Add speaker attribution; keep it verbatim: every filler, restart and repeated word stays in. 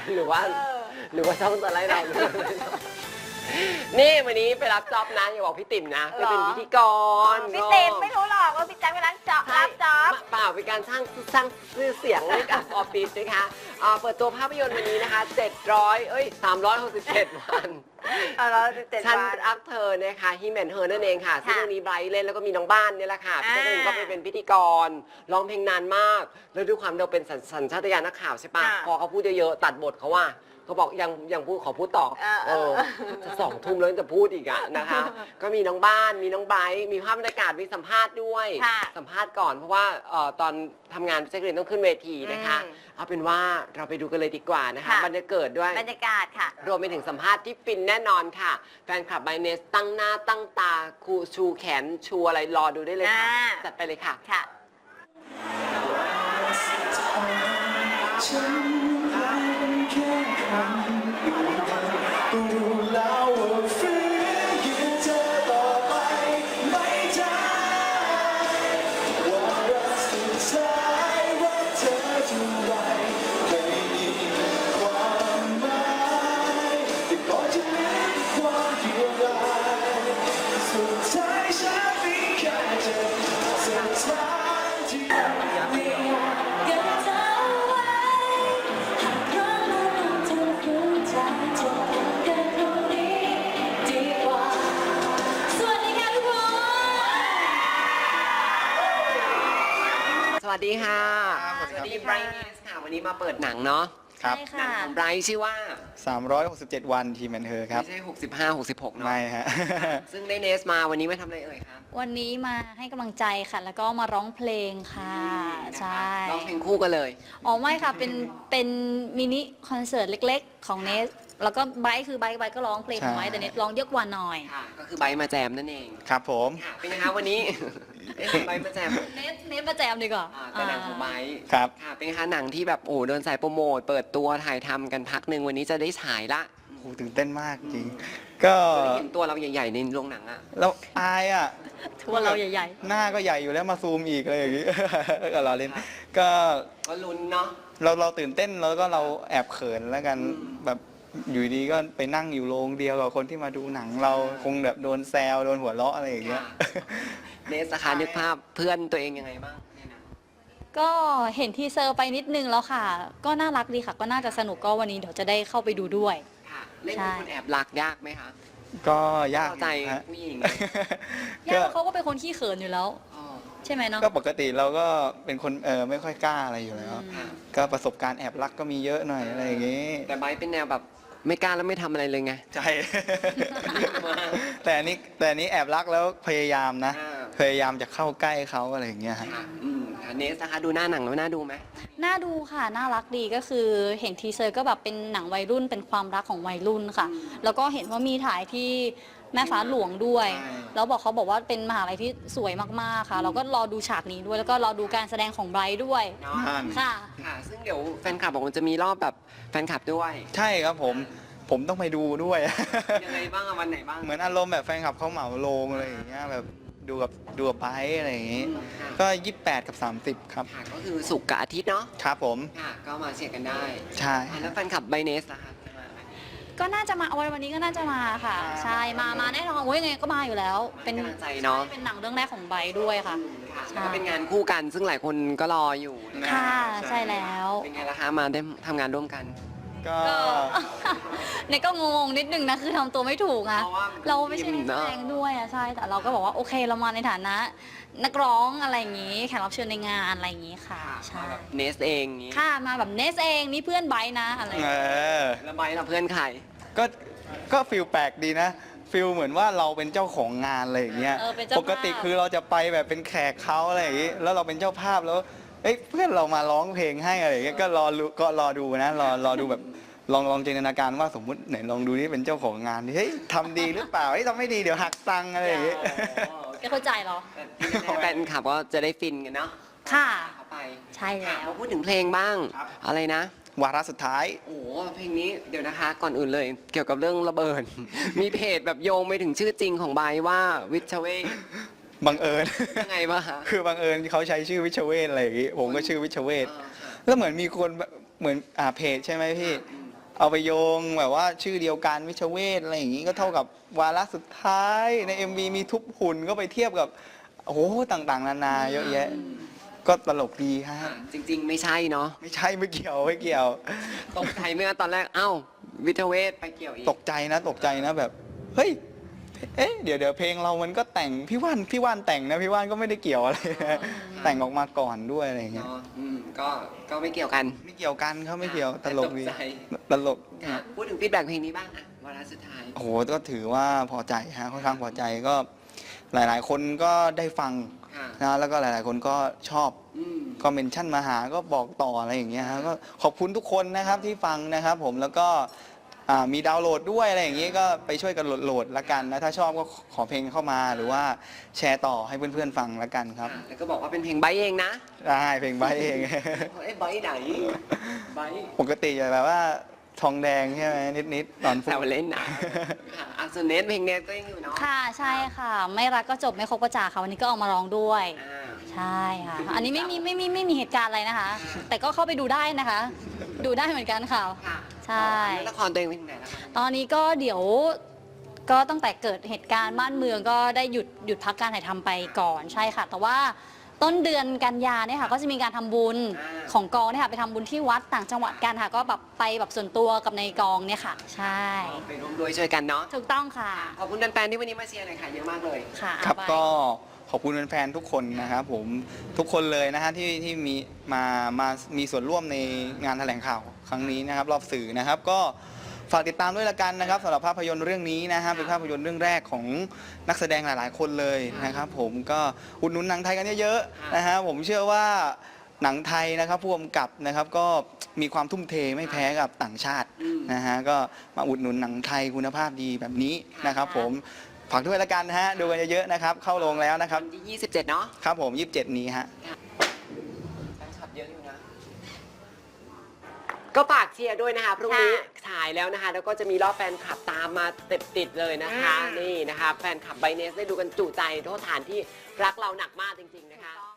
Speaker 1: หรือว่าหรือว่าช่องจะไล่เรานี่วันนี้ไปรับจ็อบนะอย่าบอกพี่ติ๋มนะไปเป็นพิธีกร
Speaker 2: พี่ติ๋มไม่รู้หรอกว่าพี่แจ๊คเป็นร้านจ็อบรับจ็อบ
Speaker 1: เปล่าเป็นการสร้างสร้างชื่อเสียงให้กับออฟฟิศนะคะอ่าเปิดตัวภาพยนตร์วันนี้นะคะเจ็ดร้อยเอ้ยสามร้อยหกสิบเจ็ดวัน
Speaker 2: เอาเราเจ็ด
Speaker 1: ฉัน
Speaker 2: วัน
Speaker 1: รักเธอนะคะฮิแมนเฮอร์นั่นเองค่ะซึ่งเรื่องนี้ไบรท์เล่นแล้วก็มีน้องบ้านเนี่ยแหละค่ะพี่แจ๊คเองก็ไปเป็นพิธีกรร้องเพลงนานมากแล้วด้วยความเราเป็นสัญชาตญาณนักข่าวใช่ปะพอเขาพูดเยอะๆตัดบทเขาว่าเขาบอกยังยังพูดขอพูดต่อเออจะสองทุ่มแล้วจะพูดอีกอะนะคะก็มีน้องบ้านมีน้องไบรท์มีภาพบรรยากาศมีสัมภาษณ์ด้วยสัมภาษณ์ก่อนเพราะว่าตอนทำงานพี่แจ๊คเรียนต้องขึ้นเวทีนะคะเอาเป็นว่าเราไปดูกันเลยดีกว่านะคะบรรยากาศด้วย
Speaker 2: บรรยากาศค่ะ
Speaker 1: รวมไปถึงสัมภาษณ์ที่ฟินแน่นอนค่ะแฟนคลับไบเนสตั้งหน้าตั้งตาคูชูแขนชูอะไรรอดูได้เลยค่ะจัดไปเลยค่ะ
Speaker 2: ค่ะ
Speaker 3: รู้แล้วว่าฝืนยืนเธอต่อไปไม่ได้ว่ารักสุดท้ายรักเธอเท่าไรไม่มีความหมายแต่ก่อนจะมีความเดียวดายสุดท้ายฉันมีแค่เธอเส้นทางที่ไม่อยากเก็บเธอไว้หากรักแล้วเธอคืนใจเธอ
Speaker 1: สวัสดีค่ะสวัสดีไบรท์ค่ะวันนี้มาเปิดหนังเนาะ
Speaker 3: ครับ
Speaker 1: หนังของไบรท์ชื่อว่า
Speaker 3: สามร้อยหกสิบเจ็ดวันทีแมนเธอครับ
Speaker 1: ไม่ใช่หกสิบห้า หกสิบหกเนาะ
Speaker 3: ไม่ฮะ
Speaker 1: ซึ่งได้เนสมาวันนี้มาทำอะไรเอ่ยครับ
Speaker 4: วันนี้มาให้กำลังใจค่ะแล้วก็มาร้องเพลงค่ะใช่
Speaker 1: ร้องเพลงคู่กันเลย
Speaker 4: อ๋อไม่ค่ะเป็นเป็นมินิคอนเสิร์ตเล็กๆของเนสแล้วก็ไบค์คือไบค์ไบค์ก็ร้องเพลงของไบค์แต่เนสร้องเยอะกว่าหน่อย
Speaker 1: ค่ะก็คือไบค์มาแจมนั่นเอง
Speaker 3: ครับผม
Speaker 1: เป็นไงคะวันนี้ไบค์มาแจม
Speaker 4: เนสเนสมาแจมดีกว่า
Speaker 1: แต่หนังของไบค์
Speaker 3: ครับ
Speaker 1: ค่ะเป็นไงคะหนังที่แบบโอ้เดินสายโปรโมทเปิดตัวถ่ายทำกันพักหนึ่งวันนี้จะได้ฉายละ
Speaker 3: โอ้ตื่นเต้นมากจริงก็
Speaker 1: เห็นตัวเราใหญ่ๆในโรงหนังอะ
Speaker 3: เราอายอะ
Speaker 4: ทัวเราใหญ่
Speaker 3: ๆหน้าก็ใหญ่อยู่แล้วมาซูมอีกอะไรอย่างงี้ก็เราเล่นก็
Speaker 1: ก็ลุ้นเนาะ
Speaker 3: เราเราตื่นเต้นแล้วก็เราแอบเขินแล้วกันแบบอยู่ดีก็ไปนั่งอยู่โรงเดียวกับคนที่มาดูหนังเราคงแบบโดนแซวโดนหัวเราะอะไรอย่างเงี้ย
Speaker 1: เนสนะคะนึกภาพเพื่อนตัวเองยังไงบ้าง
Speaker 4: ก็เห็นทีเซอร์ไปนิดนึงแล้วค่ะ ก็น่ารักดีค่ะก็น่าจะสนุกก็วันนี้เดี๋ยวจะได้เข้าไปดูด้วย
Speaker 1: ค่ะเล่นเป็นคนแอบรักยากไหมคะ
Speaker 3: ก็ยาก
Speaker 1: ใจผู้หญิง
Speaker 4: ยากเขาก็เป็นคนขี้เขินอยู่แล้วใช่ไหมเนาะ
Speaker 3: ก็ปกติเราก็เป็นคนเออไม่ค่อยกล้าอะไรอยู่แล้วก็ประสบการณ์แอบรักก็มีเยอะหน่อยอะไรอย่างงี้
Speaker 1: แต่ไบร์ทเป็นแนวแบบไม่กล้าแล้วไม่ทำอะไรเลยไง
Speaker 3: ใช่แต่อันนี้แต่อันนี้แอบรักแล้วพยายามนะพยายามจะเข้าใกล้เขาอะไรอย่างเงี้ย
Speaker 1: ค่ะเนสนะคะดูหน้าหนังแล้วน่าดูไหม
Speaker 4: น่าดูค่ะน่ารักดีก็คือเห็นทีเซอร์ก็แบบเป็นหนังวัยรุ่นเป็นความรักของวัยรุ่นค่ะแล้วก็เห็นว่ามีถ่ายที่แม่ฟ้าหลวงด้วยแล้วบอกเขาบอกว่าเป็นมหาลัยที่สวยมากๆค่ะเราก็รอดูฉากนี้ด้วยแล้วก็รอดูการแสดงของไบรท์ด้วยค่ะ
Speaker 1: ค่ะซึ่งเดี๋ยวแฟนคลับบอกว่าจะมีรอบแบบแฟนคลับด้วย
Speaker 3: ใช่ครับผมผมต้องไปดูด้วย
Speaker 1: ยังไงบ้างวันไหนบ้าง
Speaker 3: เหมือนอารมณ์แบบแฟนคลับเขาเหมาโรงอะไรอย่างเงี้ยแบบดูกับดูกับไบร์ทอะไรอย่างงี้ก็ยี่สิบแปดกับสามสิบครับ
Speaker 1: ก็คือศุกร์กับอาทิตย์เนาะ
Speaker 3: ครับผม
Speaker 1: ค่ะก็มาเชียร์กันได้
Speaker 3: ใช่
Speaker 1: แล้วแฟนคลับไบเนสนะคะ
Speaker 4: ก็น่าจะมาวันวันนี้ก็น่าจะมาค่ะใช่มามาแน่นอนโอ้ยไงก็มาอยู่แล้ว
Speaker 1: เป็นใจเนาะ
Speaker 4: เป็นหนังเรื่องแรกของไบด้วยค่ะ
Speaker 1: ก็เป็นงานคู่กันซึ่งหลายคนก็รออยู่
Speaker 4: ค่ะใช่แล้ว
Speaker 1: เป็นไงล่ะคะมาได้ทำงานร่วมกัน
Speaker 3: ก็
Speaker 4: เนี่ยก็งงนิดนึงนะคือทำตัวไม่ถูกอะเราไม่ใช่นักแสดงด้วยอะใช่แต่เราก็บอกว่าโอเคเรามาในฐานะนักร้องอะไรอย่างงี้แขกรับเชิญในงานอะไรอย่างงี้ค่ะใช่
Speaker 1: เนสเอง
Speaker 4: ค่ะมาแบบเนสเองนี่เพื่อนไบนะอะไร
Speaker 1: แล้วไบเราเพื่อนใคร
Speaker 3: ก็ก็ฟิลแปลกดีนะฟิลเหมือนว่าเราเป็นเจ้าของงานอะไรอย่างเงี้ยปกติคือเราจะไปแบบเป็นแขกเขาอะไรอย่างงี้แล้วเราเป็นเจ้าภาพแล้วเอ้ยเพื่อนเรามาร้องเพลงให้อะไรอย่างเงี้ยก็รอก็รอดูนะรอรอดูแบบลองลองจินตนาการว่าสมมุติไหนลองดูนี่เป็นเจ้าของงานเฮ้ยทำดีหรือเปล่าเฮ้ยทำไม่ดีเดี๋ยวหักตังค์อะไรอย่างเงี้ย
Speaker 4: ก็เข้าใจเหรอ
Speaker 1: แฟนคลับก็จะได้ฟินกันเนาะ
Speaker 4: ค่ะ
Speaker 1: เข้าไป
Speaker 4: ใช่แล้ว
Speaker 1: มาพูดถึงเพลงบ้างอะไรนะ
Speaker 3: วาระสุดท้าย
Speaker 1: โอ้เพลงนี้เดี๋ยวนะคะก่อนอื่นเลยเกี่ยวกับเรื่องระเบิดมีเพจแบบโยงไปถึงชื่อจริงของไบว่าวิชเวท
Speaker 3: บังเอิญ
Speaker 1: ยังไงบ้างคะ
Speaker 3: คือบังเอิญเขาใช้ชื่อวิชเวทอะไรอย่างงี้ผมก็ชื่อวิชเวทแล้วเหมือนมีคนเหมือนอ่าเพจใช่ไหมพี่
Speaker 5: เอาไปโยงแบบว่าชื่อเดียวกันวิชเวทอะไรอย่างนี้ก็เท่ากับวาระสุดท้ายใน เอ็ม วี มีทุบหุ่นก็ไปเทียบกับโอ้โหต่างๆนานาเยอะแยะ ก็ตลกดีฮะ
Speaker 1: จริง ๆ ไม่ใช่เนาะ
Speaker 5: ไม่ใช่ไม่เกี่ยวไม่เกี่ยว
Speaker 1: ตกใจไหมคะตอนแรกเอ้าวิทยาเวทไปเกี่ยวอีก
Speaker 5: ตกใจนะตกใจนะแบบเฮ้ยเอ๊ะเดี๋ยวเดี๋ยวเพลงเรามันก็แต่งพี่ว่านพี่ว่านแต่งนะพี่ว่านก็ไม่ได้เกี่ยวอะไรนะแต่งออกมาก่อนด้วยอะไรอย่างเงี้ย
Speaker 1: เนาะอืมก็ก็ไม่เกี่ยวกัน
Speaker 5: ไม่เกี่ยวกันเขาไม่เกี่ยวตลกดี
Speaker 1: ตกใจ
Speaker 5: ตลก
Speaker 1: ค่ะพูดถึงฟีดแบ็กเพลงนี้บ้างอะวาระสุดท้าย
Speaker 5: โอ้โหก็ถือว่าพอใจฮะค่อนข้างพอใจก็หลาย ๆ คนก็ได้ฟัง
Speaker 1: ค่ะ
Speaker 5: นะแล้วก็หลาย ๆ คนก็ชอบ
Speaker 1: อืม
Speaker 5: ก็เมนชั่นมาหาก็บอกต่ออะไรอย่างเงี้ยฮะก็ขอบคุณทุกคนนะครับที่ฟังนะครับผมแล้วก็อ่ามีดาวน์โหลดด้วยอะไรอย่างงี้ก็ไปช่วยกันโหลดโหลดละกันนะถ้าชอบก็ขอเพลงเข้ามาหรือว่าแชร์ต่อให้เพื่อน ๆ ฟังละกันครับ
Speaker 1: ค่ะแล้วก็บอกว่าเป็นเพลงไบร์ทเองนะ
Speaker 5: ได้เพลงใบเอง
Speaker 1: เอ้ยไบร์ทไหนไบร์ท
Speaker 5: ปกติจะแบบว่าทองแดงใช่ไหมนิด ๆ ตอน
Speaker 1: แซวเล่นนะค่ะอ่ะส่วนเนทเพลงเนทก็ยังอยู่เนาะ
Speaker 4: ค่ะใช่ค่ะ ไม่รักก็จบไม่คบก็จากค่ะวันนี้ก็เอามาร้องด้วย
Speaker 1: อ่า
Speaker 4: ใช่ค่ะ อันนี้ไม่มีไม่มีไม่มีเหตุการณ์อะไรนะคะ แต่ก็เข้าไปดูได้นะคะ ดูได้เหมือนกันค่ะ
Speaker 1: ค่ะ
Speaker 4: ใช่
Speaker 1: แล้วละครตัวเองเป็นยังไงแล้วคะ
Speaker 4: ตอนนี้ก็เดี๋ยวก็ตั้งแต่เกิดเหตุการณ์บ้านเมืองก็ได้หยุดหยุดพักการถ่ายทำไปก่อนใช่ค่ะ แต่ว่าต้นเดือนกันยาเนี่ยค่ะก็จะมีการทำบุญของกองเนี่ยค่ะไปทำบุญที่วัดต่างจังหวัดกันค่ะ ก็แบบไปแบบส่วนตัวกับในกองเนี่ยค่ะ ใช่
Speaker 1: ไปร่วมด้วยช่วยกันเนาะ
Speaker 4: ถูกต้องค่ะ
Speaker 1: ขอบคุณแฟนๆที่วันนี้มาเชียร์หน่อยค่ะเยอะมากเลย
Speaker 4: ค่ะ
Speaker 5: ครับ
Speaker 4: ไป
Speaker 5: ก็ขอบคุณแฟนๆทุกคนนะครับผมทุกคนเลยนะฮะที่ที่มีมามามีส่วนร่วมในงานแถลงข่าวครั้งนี้นะครับรอบสื่อนะครับ ก็ฝากติดตามด้วยละกันนะครับสำหรับภาพยนตร์เรื่องนี้นะฮะเป็นภาพยนตร์เรื่องแรกของนักแสดงหลายๆ คนเลยนะครับ ผมก็อุดหนุนหนังไทยกันเยอะๆนะฮะผมเชื่อว่าหนังไทยนะครับผู้กำกับนะครับก็มีความทุ่มเทไม่แพ้กับต่างชาติ
Speaker 1: อืม
Speaker 5: นะฮะก็มาอุดหนุนหนังไทยคุณภาพดีแบบนี้นะครับ ผมฝากด้วยละกันนะฮะดูกันเยอะๆนะครับเข้าโรงแล้วนะครับ
Speaker 1: วันที่ยี่สิบเจ็ดเนาะ
Speaker 5: ครับผมยี่สิบเจ็ดนี้ฮะ
Speaker 1: แฟนคลับเยอะอยู่นะ ก็ฝากเชียร์ด้วยนะคะพรุ่งนี้
Speaker 2: ค่ะ
Speaker 1: ฉายแล้วนะคะ แล้วก็จะมีรอบแฟนคลับตามมาติดติดๆเลยนะคะ
Speaker 2: อืม
Speaker 1: นี่นะคะ แฟนคลับไบเนสได้ดูกันจุใจโทษฐานที่รักเราหนักมากจริง ๆ นะคะ